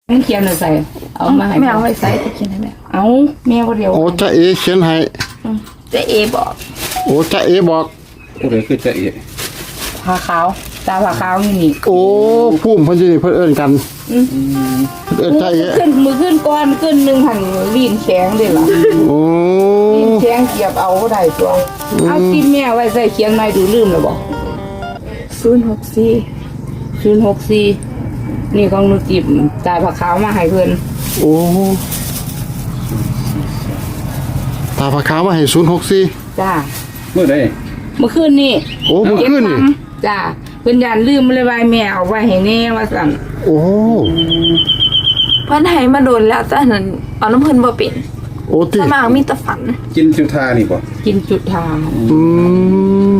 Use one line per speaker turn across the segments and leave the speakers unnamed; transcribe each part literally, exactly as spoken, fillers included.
มันเขียนอะไรใส่เอามาให้
แม่เอาไว้ใส่จะเขียนให้แม่
เอาแม่ก็เดียว
โอ้จ้าเอเขียนให้
จะเอบอก
โอ้จ้าเอบอก
ผู้ใดคือจะเอะ
ผ้าขาวตาผ้าขาวนี่นี่
โอ้พุ่มเพิ่นสิเพิ่นเอิ้นกันเอิ้นจ้าเอ
ขึ้นมือขึ้นก้อนขึ้นหนึ่งหันลีนแข็งเลยล่ะ
โอ้
ลีนแข็งเกียบเอาก็ได้ตัวเอาที่แม่ไว้ใส่เขียนไม่ดูลืมแล้วบอก
ศูนย์หกสี่
ศูนย์หกสี่นี่ของหนูจิบตาผ้าขาวมาให้เพื่อน
โอ้ตาผาขาวมาให้ศูนย์หกสี่
จ้า
เมื่อใด
เมื่อคืนนี่
โอ้เมื่อคืนนี่
จ้าเพื่อนยันลืมเลยไว้แม่เอาไว้ให้แน่ว่าสั่น
โอ้
เพิ่นให้มาโดนแล้วแต่นั้นเอาน้ำเพิ่นบ่เป็น
โอ้ติ
ถ้ามากมีแต่ฝัน
กินจุธานี่ป่ะ
กินจุดทาง
อืม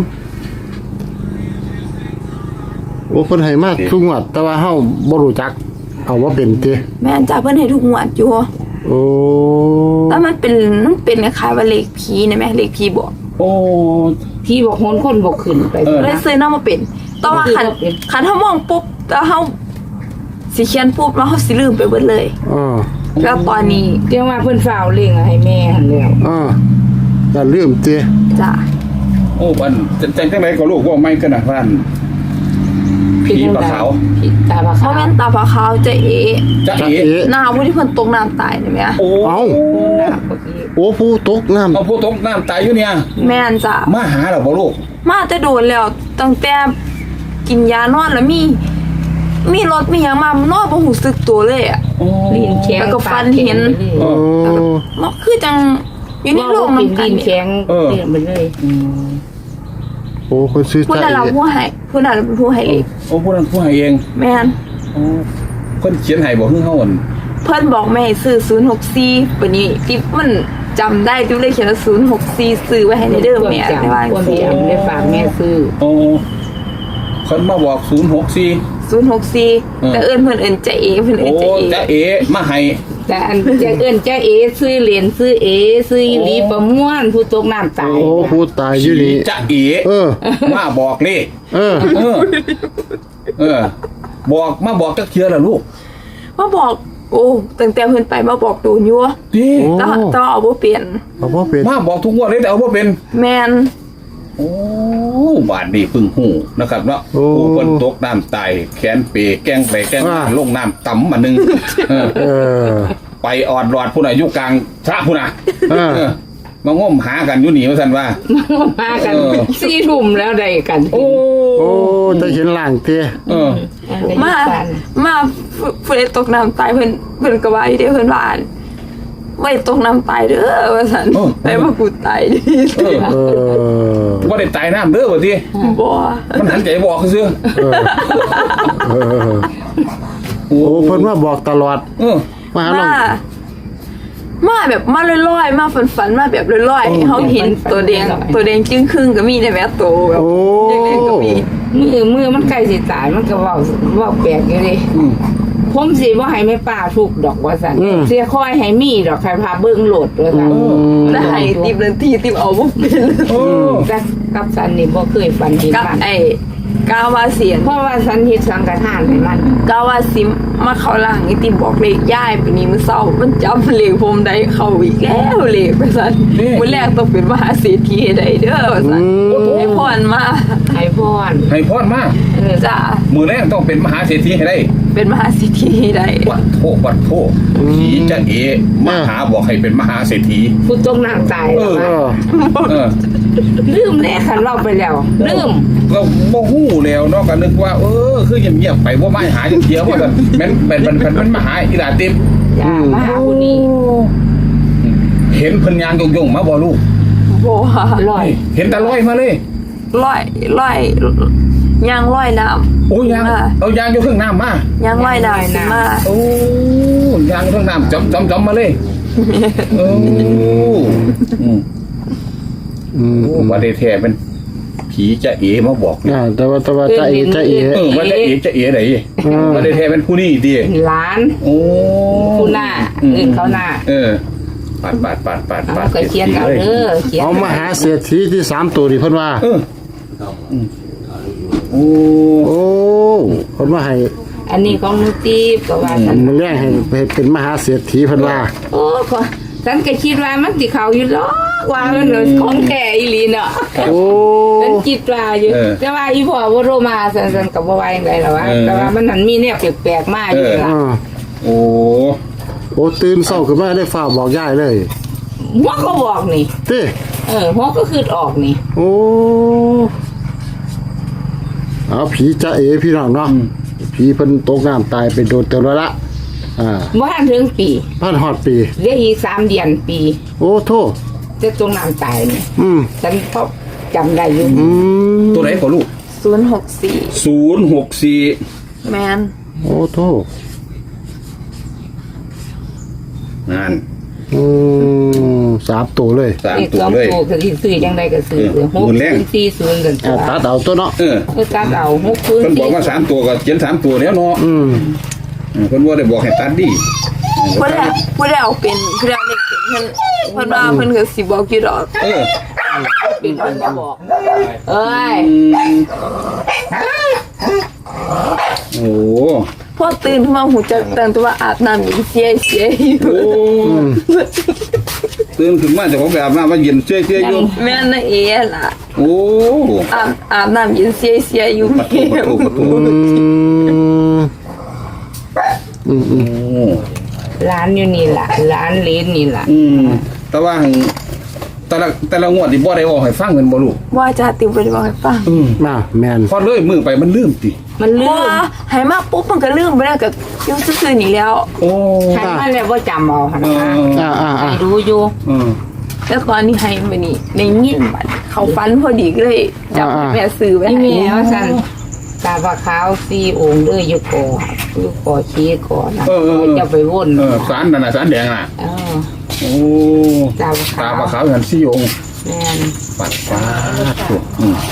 โอ้เพิ่นให้มาทุกงวดแต่ว่าเฮาบ่รู้จักเอาว่าเป็นติ
แม่นจ้าเพิ่นให้ทุกงวดอยู่
โอ้
แต่มันเป็นมันเป็นคล้ายๆว่าเลขผีนะแม่เลขผีบอก
โอ้
พี่บอกโหนคนบอกขึ้นไป
เออ
เลยซื้อนำมาเป็นแต่ว่าคันคันเฮามองปุ๊บแล้วเฮาสิเขียนปุ๊บแล้วเฮาสิลืมไปเบิดเลย
อ่า
แล้วตอนนี้
เรียกว่าเพิ่นฝ้าวเลี้ยงให้แม่หันแล้ว
อ่าอย่าลืมติ
จ้า
โอ้บันจังจังไรก็ลูกว่าไม่กันนะบ้าน ผีปลาขาว
ผีตาปลา
เพ
ขาว
ราะแม่นตาผาขาวจะเอ
จะ
จ้า
เอะ
เอ
หน้าผู้ที่เพิ่นตกน้ำตายนี่แม่
โอ้
เอ้า
โอ้หน้าเมื่อกี้
โอ้ผู้ตกน้ำ
เอาผู้ตกน้ำตายอยู่เนี่ย
แม่นจ้า
มาหาเราบ่ลูก
มาแต่โดนแล้วตั้งแต่กินยานอนแล้วมี มีรถมีหยังมานอนบ่รู้สึกตัวเลยอ่ะ
โอ้
ลีนแข็ง
แล้วก็ฟันเห็น
โอ้
มันคือจังอยู่ใน
ว่า
โลก
เป็
มัน นกั
ลี
น
นแข็งเลี้ยงไปเลย
โอ้คนซื้อ
ผู้
จ้า
นั้นเรา
เอ
ผู้ให้ผู้นั้นเป็นผู้ให้เลข
โอ้ผู้นั้นผู้ให้เอง
แม่น
โอ้คนเขียนให้บอกเพิ่งเฮาอั่น
เพิ่นบอกแม่ให้ซื้อศูนย์หกสี่ปานนี้ที่มันจำได้ที่เลยเขียนว่าศูนย์หกสี่ซื้อไว้ให้ในเด้อแม่
จัง
ได้ว่า
คน
สิ
เดียวได้ฝากแม่ซื้อ
โอ้คนมาบอกศูนย์หกสี่
ศูนย์หกสี่แต่เอิ้นเพิ่นเอิ้นใจเอเพิ่นเอิ้
โอ้
นใจเอ
จะเอะมาให้
แต่อันจะเอิ้นจ้าเอซื้อเหรียญซื้อเอซื้ออีหลีประม่วนผู้ตกน้ำตาย
โอ้ผู้ตายอยู่นี่
จะเอะ
เออ
มาบอกเลข
เออ
เออ เออ บอกมาบอกจักเทียล่ะลูก
มาบอกโอ้ตั้งแต่เพิ่นไปมาบอกโดนอยู่
ดิ
โอ้
แต่แต่เอาบ่เปลี่ยน
เอาบ่เป็น
มาบอกทุกงวดเลยแต่เอาบ่เป็น
แม่น
โอ้บาดนี้พึ่งหูนะครับเนาะ
โอ้
โอ้คนตกน้ำตายแขนเปแกล้งไปแกล้งมา
อ่า
ลงน้ำต่ำมาหนึ่งเออ
เออ
ไปออดรอดผู้น่ะอยู่กลางทะผู้น่ะ
เออ
เออมาง้มหากันอยู่หนีว่าสันว่า
มากัน
เออ
สี่ทุ่มแล้วได้กัน
โอ้
โอ้จะเห็นล่างเตี้ย
เออ
มามาผู้ใดตกน้ำตายเพิ่นเพิ่นก็ว่าอยู่เด้เพิ่นว่าอั่นไว้ตกน้ำตายเด้อว่าซั่นแต่ว่ากูตายดิ
เออ
เออ
ว่าได้ตายน้ำเด้อว่าที
บ่
มันหันใจบอกคือซื้อ
เออเออ
โอ้
โอ้เพิ่นมาบอกตลอด
เออ
มาหาน้อง
มามาแบบมาลอยๆมาฝันๆมาแบบลอยๆให้เขาเห็นตัวแดงตัวแดงจึ้งครึ่งก็มีได้แม้โตแบบ
โอ้
เล็กๆก็มี
มือมือมันใกล้สิตายมันก็เว้าเว้าแปลกอยู่ดิ
อืม
ผมสิบ่ให้แม่ป้าทุกดอกว่าซั่นเสียคอยให้มีดอกใครพาเบิ่งโหลดว่าซั่น
แล้วให้ติบนาทีติบเอาบ่เป็น
โอ้
แต่กับสันนี่บ่เคยฝันเห็น
กับ
มัน
ไอ้กาวาเสียน
เพราะว่าสันเฮ็ดสังฆทานให้มัน
กาวาซิมมาเข้าหลังไอ้ติบบอกเลขย่ายปานนี้มื้อเช้ามันจำเลขผมได้เข้าอีกแล้วเลขว่าซั่นมื้อแรกต้องเป็นมหาเศรษฐีให้ได้เด้อว่าซั่นให้พรมา
ให้พร
ให้พรมา
เออ
จ้า
มือแรกต้องเป็นมหาเศรษฐีให้ได้
เป็นมหาเศรษฐีให้ได้
วัดโทวัดโทผีจะเอะมาหาบอกให้เป็นมหาเศรษฐี
ผู้ตกน้ำตาย
เออ
เออ
เออ
ลืมแน่คันเล่าไปแล้วลืม
ก็บ่ฮู้แล้วเนาะก็นึกว่า เออ คือเงียบๆไปบ่มาหาจังเที่ยวว่าซั่นแม่นเป็นเป็นเป็นมันมาหาอีหลาติบ
อย่ามาหาผู้นี้
เห็นเพิ่นยางยงๆมาบ่ลูก
บ่ว่า
ลอย
เห็นแต่ลอยมาเลย
ร้อยร้อยยางร้อยน้ำ
โอ้ยางเอายางอยู่เครื่องน้ำมาย
างร้อยน้ำสิมา
โอ้ยางเครื่องน้ำจอมจอมจอมมาเลยโอ้อืม
อืม
โอ้ว่าได้แท้เป็นผีจะเอมาบอกเนี่ย
อ่าแต่ว่าแต่ว่าจ้าเอจ้าเอ
เออว่าจะเอจะเอไหนว่าได้แท้เป็นผู้นี่ดิ
หลาน
โอ้
ผู้หน้าอื่นเขาหน้า
เออปาดปาดปาดปาด
เอา
ปาด
ก็เขียนเอาเด้อเขียน
เอามาหาเศรษฐีที่สามตัวนี่เพิ่นว่า
เอออืมโอ้
โอ้เพิ่นมาให้
ไอ้อันนี้ของหนูตีบก็ว่าฉัน
มันแรงให้ให้เป็นมหาเศรษฐีเพิ่นว่า
โอ้ก็ฉันก็คิดว่ามันสิเขาอยู่หรอกว่ามันของแท้อีหลีเนาะ
โอ้
ฉันคิดว่าอยู่แต่ว่าอีพ่อบ่โทรมาฉันฉันก็บ่ว่าจังไดล่ะวะแต่ว่ามันนั่นมีแนวแปลกๆมาอยู่ล่ะ
อ่า
โอ้
โอ้ตื่นเช้าขึ้นมาได้ฟ้าบอกยายเลย
หัวก็บอกนี่
เต้
เออหัวก็คือออกนี่
โอ้เอาผีจะเอพี่น้องเนาะผีเพิ่นตกน้ำตายไปโดนเตือนแล้วละอ่า
บ่ทันถึงปี
พันฮอดปี
เหลืออีกสามเดือนปี
โอ้โทษ
จะตรงน้ำตายนี่
อืม
ฉันก็จำได้อยู่
อืม
ตัวไหนของลูก
ศูนย์หกสี่
ศูนย์หกสี่
แมน
โอ้โทษ
งาน
อืมสามตัวเลย
สาม
อีก
ตัว
สอง
เลย
ตัวก็สิซื้อจังไดก็ซื้อ
เออ
หก
หมุนแรง
ศูนย์สี่ศูนย์กันตั
อ่าว ตัดเอาตัวเนาะ
เออ
เออตัดเอาหกศูนย์
เพิ่นบ
สี่
อกว่าสามตัวก็เขียนสามตัวแล้วเนาะ
อืม
เออเพิ่นว่าได้บอกให้ตัดดิ
พูดแล้วพูดแล้วเป็นพูดแล้วเล็กเป็นเพิ่นเพิ่นว่าเพิ่นก็สิบอกอยู่ดอก
เออ
เป็นคนมาบอกเอ้ย
อืมโอ้
พอตื่นขึ้นมาหูจักตั้งแต่ว่าอาบน้ำยังเสียเสียอยู่
โอ้ตื่นขึ้นมาจากของไปอาบน้ำมาเย็นเชื่อยๆอยู่
แม่นนะเอ๋ล่ะ
โอ้
อาบอาบน้ำเย็นเสียเสียอยู่
ประตูประตูประตู
อืมอืมอืม
โอ้
ร้านอยู่นี่ล่ะร้านเลนนี่ล่ะ
อืมแต่ว่าหั่นแต่ละแต่ละงวดที่บ่ได้บอกให้ฟังกันบ่ลูก
ว่าจะติวไปบอกให้ฟัง
อืม
มาแมน
พอเลยมือไปมันลืมติ
มันลื
ว่าม ให้มาปุ๊บมันก็ลืมไปแล้วก็อยุ่งซื่อๆนี่แล้ว
โอ้
ฉันมาแล้วว่าจำเอาหัน
เอ
มา
อ
อ่าอ่าอ่า
ให้รู้อยู่
เออ
แล้วตอนนี้ให้มานี่ในยินบัดเขาฟันพอดีก็เลยจับแม่ซื้อไว้
นี่
ให้
แม่ว่าฉันตาปลาขาวสี่องค์เด้ออยู่ก่ออยู่ก่อชี้ก่อนะ
เออเออเออ
จะไปวน
เออสารนั่นน่ะสารแดงน่ะ
เออ
โอ้
ตาปลา
ตา
ขาว
ปลาขาวหันซี่องค์
แม่น
ปัดฟ้าตัวอืม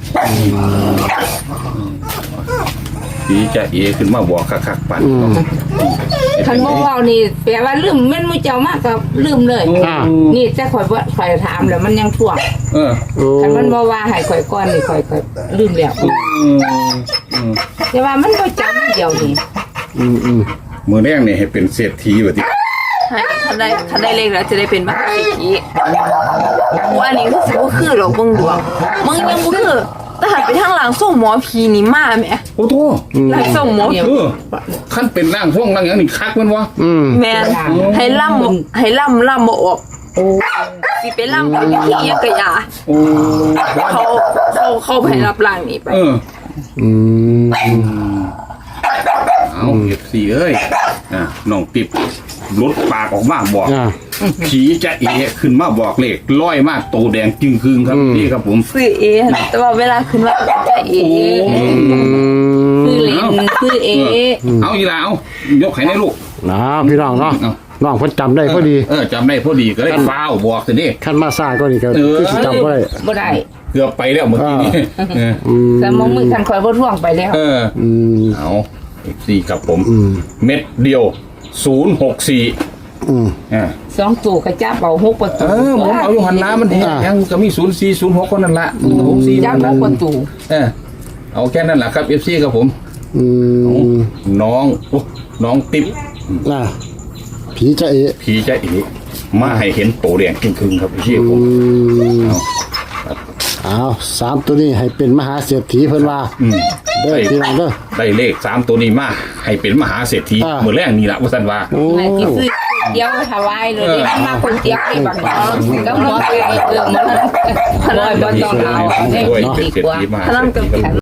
ผีจะเอขึ้นมาบอกคักๆปัด
อืม
คันบ่เว้านี่แปลว่าลืมแม่นมูเจ้ามากก็ลืมเลย
อ่า
นี่จะข่อยบ่ข่อยถามแล้วมันยังท่วง
เออ
โอ้
คันมันบ่ว่าให้ข่อยก่อนนี่ข่อยก็ลืมแล้ว
อืมอืม
แต่ว่ามันบ่จำเดียวนี่
อืมอืม
มือแรกนี่ให้เป็นเศรษฐีแบบนี้
ให้คันได้คันได้เลขแล้วจะได้เป็นมหาเศรษฐีว่าอันนี้คือสิบ่คือหรอกมึงดวงมึงยังบ่คือแต่หันไปทางหลังส่งหมอผีนี่มาแหม
โอ้โห
หลังส่งหมอ
เออขั้นเป็นร่างทรงร่างอย่างนี้คักมันวะ
อืม
แม่นให้ล่ำให้ล่ำล่ำบ่ออก
โอ้
สิไปล่ำกับวิธียังกะยา
โอ้
เขาเขาเขาไปรับร่างนี่ไป
เออ
อืม
เอาเก็บสี่เอ้ยอ่ะน้องติบลดปากออกมาบอก
อ่า
ผีจะเอขึ้นมาบอกเลขร้อยมากโตแดงจึงคืงครับ
อืม
นี่ครับผม
ซื้อเอแต่ว่าเวลาขึ้นว่าจะเอ
อืม
คือเลนคือเอ
เอาอีลาเอายกไข่ในลูก
นะพี่น้องเนาะ
เอา
น้องเพิ่นจำได้พอดี
เออจำได้พอดีก็เลยฟ้าวบอกสินี่
ขั้นมาซ่าก็นี่ก็
เออ
คือสิจำบ่ได้
บ่ได้
เกือบไปแล้วเมื่อกี้นี้เออ
อืม
แต่มองมือคันข่อยบ่ท่วงไปแล้ว
เออ
อืม
เอาอีกสี่กับผม
อืม
เม็ดเดียวศูนย์หกสี่
อืม
อ่า
สองตัวกระจับเอาหกประ
เอ
ตู
อผมเอาอยู่หันล้ามันเห็น
อ่า
ยังก็มีศูนย์สี่ศูนย์หกคนนั่นละหกสี่
จับหกประตู
เออเอาแค่นั้นแหละครับเอฟซีกับผม
อืม
น้องโอ้น้องติ๊บ
น่ะผีจะเอ
ผีจะเอ๋มาให้เห็นโตแดงครึ่งๆครับเอฟซี
อื
ผม
มเอาสามตัวนี้ให้เป็นมหาเศรษฐีเพิ่นว่า
อืม
เด้อพี่น้องเด้อ
ได้เลขสามตัวนี้มาให้เป็นมหาเศรษฐี
อ่า
เมื่อแรกนี่แหละว่าสันว่า
โอ้
ไม่ที่ซื้อเดียวถวายเลยนี่มาคนเดียวไอ้บักเนาะก็หัวไปเออมันบ่บ่ต้องเอา
ด้วย
ได้
เป็น
ดี
เศรษ
กว่า
ฐีมหา
พลัง
เศร
กั
ษ
บ
ฐีครับ